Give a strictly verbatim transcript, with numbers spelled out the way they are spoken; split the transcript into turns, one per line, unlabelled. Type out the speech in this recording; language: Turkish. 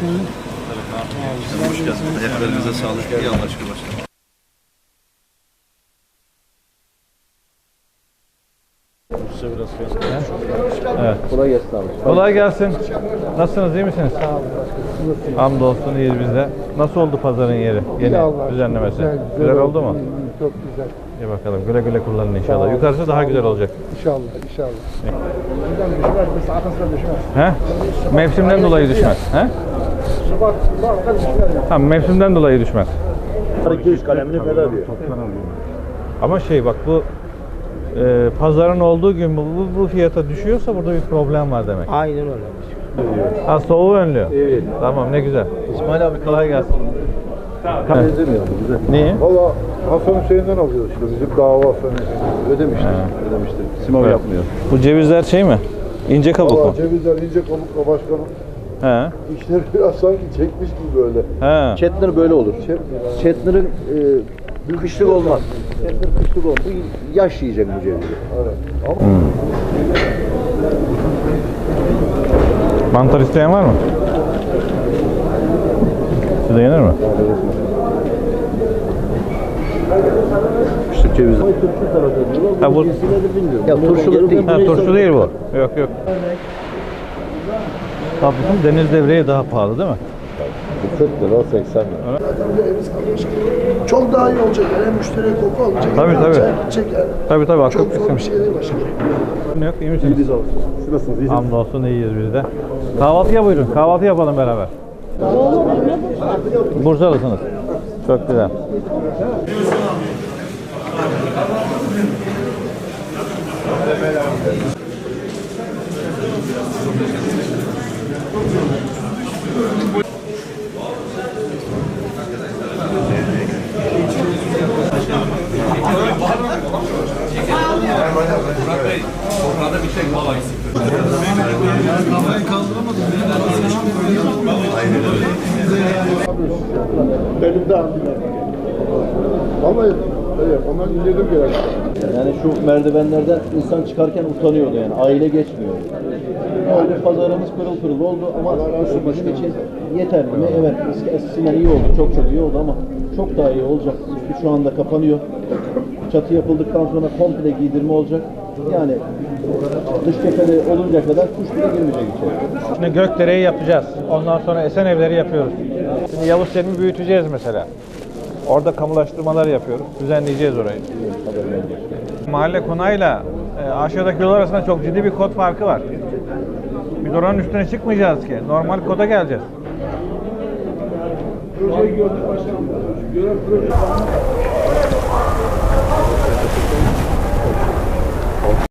Hoş geldiniz. Ayaklarınıza sağlık. İyi anlaşıldı başkanım.
Evet.
Kolay gelsin abi.
Kolay gelsin. Nasılsınız, iyi misiniz? Sağ olun. Hamdolsun, iyiyiz biz de. Nasıl oldu pazarın yeri? Yeni düzenlemesi. Güzel, güzel, güzel oldu mu?
Çok güzel.
İyi bakalım. Güle güle kullanın inşallah. Yukarısı daha güzel olacak.
İnşallah, inşallah. Buradan düşmez, bir saat sonra düşmez.
He? Mevsimden dolayı düşmez. He?
Şubat, Şubat'ta düşmez ya.
Ha, mevsimden dolayı düşmez.
iki yüz kalemini bedava diyor.
Ama şey bak bu e, pazarın olduğu gün bu, bu, bu fiyata düşüyorsa burada bir problem var demek.
Aynen öyle.
Ha, soğuğu önlüyor.
Evet.
Tamam, ne güzel.
İsmail abi
Kolay gelsin.
Benzemiyor bize.
Niye?
Valla Hasan Hüseyin'den alıyoruz işte. Bizim dava Hasan Hüseyin. Ödemiştik. Ödemiştik.
Simav
Evet.
yapmıyor.
Bu cevizler şey mi? İnce kabuk mu?
Valla cevizler ince kabukla başkanım.
He.
İşleri biraz sanki çekmiş gibi böyle.
He.
Chetner böyle olur.
Chetner.
Chetner'ın e, kışlık olmaz. Chetner kışlık oldu. Yaş yiyecek bu cevizi.
Evet. Ama
Mantar isteyen var mı? Size yenir mi?
Kışlık cevizi. Turşu tarafı diyorlar.
Ha, bu...
Ya turşulu değil.
Ha, turşu değil bu. Yok yok. Tabii deniz devreği daha pahalı değil mi?
kırk lira, seksen lira.
Zaten bir evimiz kalmış ki. Çok daha iyi olacak yani. Hem müşteriye koku alacak.
Tabii,
hem
tabii.
çay gidecek yani.
Tabii tabii.
Çok
Çok
zor bir
isim.
şey değil başkanım.
Yok, iyi misiniz?
Siz nasılsınız? İyisiniz?
Hamdolsun iyiyiz biz de. Kahvaltıya buyurun. Kahvaltı yapalım beraber. Bursalısınız. Çok güzel.
Elimde aldılar. Vallahi evet, ondan indirdim gerek.
Yani şu merdivenlerden insan çıkarken utanıyordu yani. Aile geçmiyor. Öyle pazarımız pırıl pırıl oldu ama bizim için yeterli mi? Evet. Eski, eskisinden iyi oldu. Çok çok iyi oldu ama çok daha iyi olacak. Üstü şu anda kapanıyor. Çatı yapıldıktan sonra komple giydirme olacak. Yani dış cephede olunca kadar kuş bile girmeyecek içeri.
Şimdi Gökdere'yi yapacağız. Ondan sonra Esen evleri yapıyoruz. Şimdi Yavuz Selim'i büyüteceğiz mesela. Orada kamulaştırmalar yapıyoruz. Düzenleyeceğiz orayı. Mahalle konağıyla e, aşağıdaki yol arasında çok ciddi bir kod farkı var. Biz oranın üstüne çıkmayacağız ki. Normal koda geleceğiz.
Projeyi gördük başkanım. Gören proje